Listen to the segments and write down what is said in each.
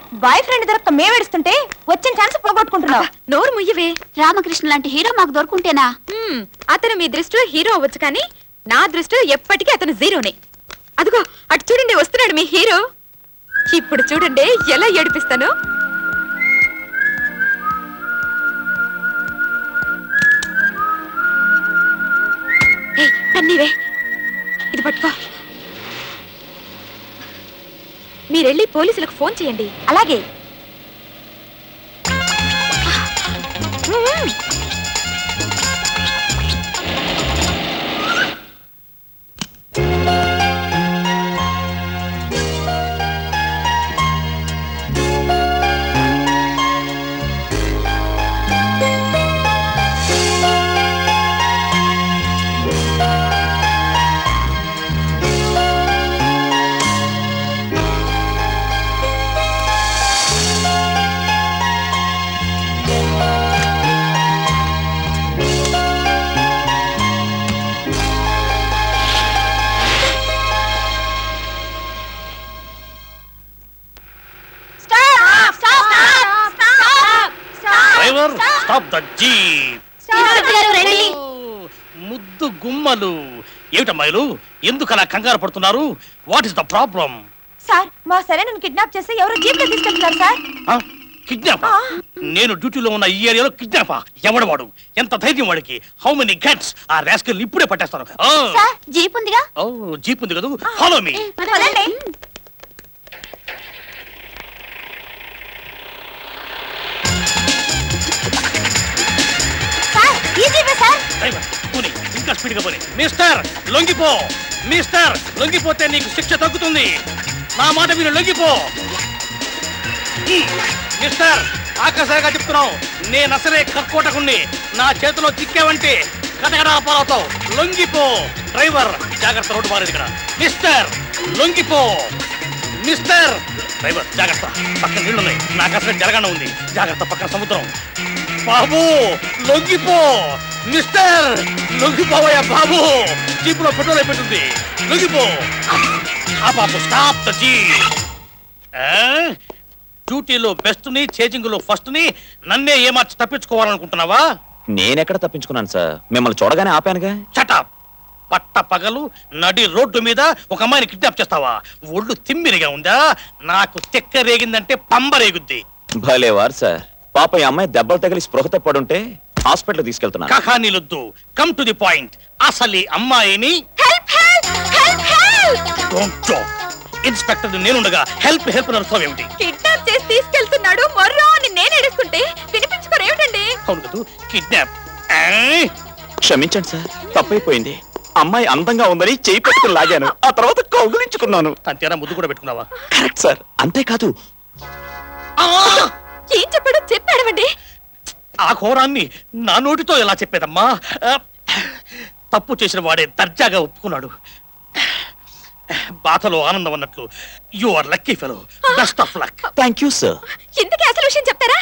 Boy friend దొరక్క మేమేడుస్తుంటే వచ్చిన chance పోగొట్టుకుంటున్నావు. నోరు ముయ్యవే. రామకృష్ణ లాంటి హీరో మాకు దొరుకుంటేనా? అతను మీ దృష్టిలో హీరో అవ్వచ్చు, కానీ నా దృష్టిలో ఎప్పటికీ అతను జీరోనే. అదిగో అటు చూడండి, వస్తున్నాడు మీ హీరో. ఇప్పుడు చూడండి ఎలా ఏడిపిస్తాను. పన్నీవే, ఇది పట్టుకో. మీరెళ్ళి పోలీసులకు ఫోన్ చేయండి. అలాగే. ముద్దు గుమ్మలు ఏమిటమ్మాయిలు, ఎందుకు అలా కంగారు పడుతున్నారు? What is the problem? Sir, మా సరేనన్ను కిడ్నాప్ చేసి ఎవరో జీప్ లో తీసుకెళ్తున్నారు సార్. కిడ్నాప్? నేను డ్యూటీలో ఉన్న ఈ ఏరియాలో కిడ్నాపా? ఎవడవాడు? ఎంత ధైర్యం వాడికి? How many guts? ఆ రాస్కల్ ఇప్పుడే పట్టేస్తాను. జీప్ ఉందిగా? ఓ, జీప్ ఉంది కదా, ఫాలో మీ. ఇంకా స్పీడ్ గా పోనీ. మిస్టర్ లొంగిపో, మిస్టర్ లొంగిపోతే నీకు శిక్ష తగ్గుతుంది. నా మాట మీరు లొంగిపో. మిస్టర్, ఆకాశంగా చెప్తున్నావు, నేను అసలే కక్కోటకుణ్ణి. నా చేతిలో చిక్కావంటే కటకడా పాలవుతావు. లొంగిపో. డ్రైవర్ జాగ్రత్త, రోడ్డు మారేది ఇక్కడ. మిస్టర్ లొంగిపో. మిస్టర్ డ్రైవర్ జాగ్రత్త, పక్కన నీళ్లున్నాయి. నాకు అసలు జరగనే ఉంది. జాగ్రత్త, పక్కన సముద్రం. బాబు లొంగిపో. మిస్టర్ లొంగిపోవయ్యా బాబు, జీపులో పెట్రోల్ అయిపోతుంది. లొంగిపో. ఆ బాబు స్టాప్ ద జీప్. డ్యూటీలో బెస్ట్ ని, చేజింగ్ లో ఫస్ట్ ని నన్నే ఏమార్చి తప్పించుకోవాలనుకుంటున్నావా? నేనెక్కడ తప్పించుకున్నాను సార్, మిమ్మల్ని చూడగానే ఆపానుగా. చటాప్. పట్ట పగలు నడి రోడ్డు మీద ఒక అమ్మాయిని కిడ్నాప్ చేస్తావా? ఒళ్ళు తిమ్మిరిగా ఉందా? నాకు తెక్క రేగిందంటే పంబ రేగుద్ది. భలేవారు సార్. పాప ఈ అమ్మాయి దెబ్బలు తగిలి స్పృహ తప్పడుంటే హాస్పిటల్ తీసుకెళ్తున్నా. కహానీలొద్దు, కమ్ టు ది పాయింట్. అసలు ఈ అమ్మాయిని ఇన్స్పెక్టర్ నేనుండగా హెల్ప్ హెల్ప్ నడుస్తావు ఏమిటి? కిడ్నాప్ చేసి తీసుకెళ్తున్నాడు మొర్రో అని నేను ఏడుస్తుంటే వినిపించుకోరేమిటండి? అవును కదా, కిడ్నాప్. క్షమించండి సార్, తప్పైపోయింది. అమ్మాయి అందంగా ఉందని చేయి పట్టుకుని లాగాను, ఆ తర్వాత కౌగులించుకున్నాను. అంతేనా? ముద్దు కూడా పెట్టుకున్నావా? Correct sir. అంతేకాదు, ఏం చెప్పాడో చెప్పాడమండి. ఆ ఘోరాన్ని నా నోటితో ఎలా చెప్పేదమ్మా? తప్పు చేసిన వాడే దర్జాగా ఒప్పుకున్నాడు. బాధలో ఆనందం అన్నట్లు. You are lucky fellow. Best of luck. Thank you sir. ఇంతకీ అసలు విషయం చెప్తారా?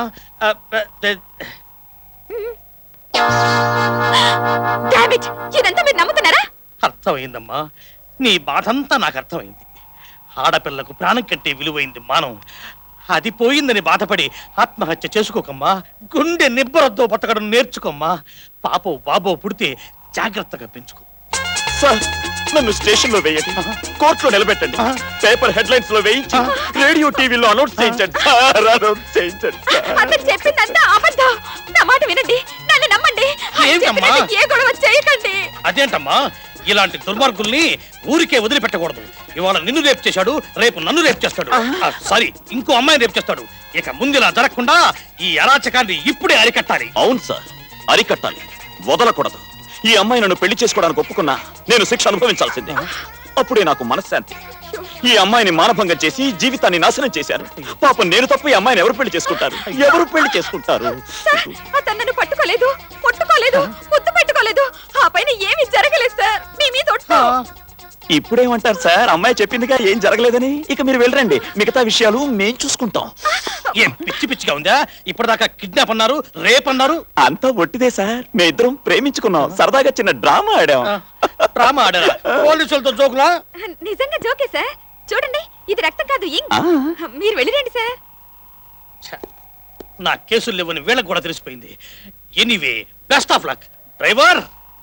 డామిట్, ఇదంతా మీరు నమ్ముతున్నారా? అర్థమైందమ్మా, నీ బాధంతా నాకు అర్థమైంది. ఆడపిల్లకు ప్రాణం కంటే విలువైంది మానం. అది పోయిందని బాధపడి ఆత్మహత్య చేసుకోకమ్మా. గుండె నిబ్బరతో బతకడం నేర్చుకోమ్మా. పాపో బాబో పుడితే జాగ్రత్తగా పెంచుకో. సార్, నన్ను స్టేషన్ లో వేయండి, కోర్టులో నిలబెట్టండి, పేపర్ హెడ్లైన్స్ లో వేయించి రేడియో టీవీలో అనౌన్స్ చేయించండి. అతను చెప్పిందంతా అబద్ధం. నా మాట వినండి, నన్ను నమ్మండి. ఏ గొడవ చేయకండి. అదేంటమ్మా, ఇలాంటి దుర్మార్గుల్ని ఊరికే వదిలిపెట్టకూడదు. ఇవాళ నిన్ను రేపు చేశాడు, రేపు నన్ను రేపు చేస్తాడు. సారీ, ఇంకో అమ్మాయిని రేపు చేస్తాడు. ఇక ముందు ఇలా జరగకుండా ఈ అరాచకాన్ని ఇప్పుడే అరికట్టాలి. అవును సార్, అరికట్టాలి, వదలకూడదు. ఈ అమ్మాయి నన్ను పెళ్లి చేసుకోవడానికి ఒప్పుకున్నా నేను శిక్ష అనుభవించాల్సిందే. అప్పుడే నాకు మనశ్శాంతి. ఈ అమ్మాయిని మానభంగం చేసి జీవితాన్ని నాశనం చేశారు. పాపం నేను తప్ప ఈ అమ్మాయిని ఎవరు పెళ్లి చేసుకుంటారు? ఎవరు పెళ్లి చేసుకుంటారు? అతను నన్ను పట్టుకోలేదు, ముట్టుకోలేదు, ముద్దు పెట్టుకోలేదు. ఆ పైన ఏమీ జరగలేదు సార్. మీ మీద ఇప్పుడేమంటారు సార్? అమ్మాయి చెప్పిందిగా ఏం జరగలేదని. ఇక మీరు వెళ్ళరండి, మిగతా విషయాలు మేం చూసుకుంటాం. ఏం పిచ్చి పిచ్చిగా ఉందా? ఇప్పటిదాకా కిడ్నాప్ అన్నారు, రేప్ అన్నారు. అంతా ఒట్టిదే సార్. మీ ఇద్దరం ప్రేమించుకున్నాం, సరదాగా చిన్న డ్రామా ఆడాం. డ్రామా ఆడారా? పోలీసులతో జోకులా? నిజంగా జోకే సార్. చూడండి ఇది రక్తం కాదు ఇంక్ ఆ. మీరు వెళ్ళిరండి సార్. ఛ, నా కేసులు లేవని వీళ్ళకి కూడా తెలిసిపోయింది. Anyway best of luck driver.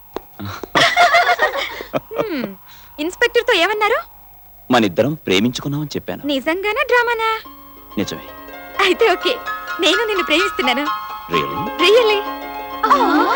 Inspector తో ఏమన్నారు? మనిద్దరం ప్రేమించుకున్నామని చెప్పాను. నిజంగానా డ్రామానా? నిజమే. అయితే ఓకే, నేను నిన్ను ప్రేమిస్తున్నాను. రియల్లీ? రియల్లీ.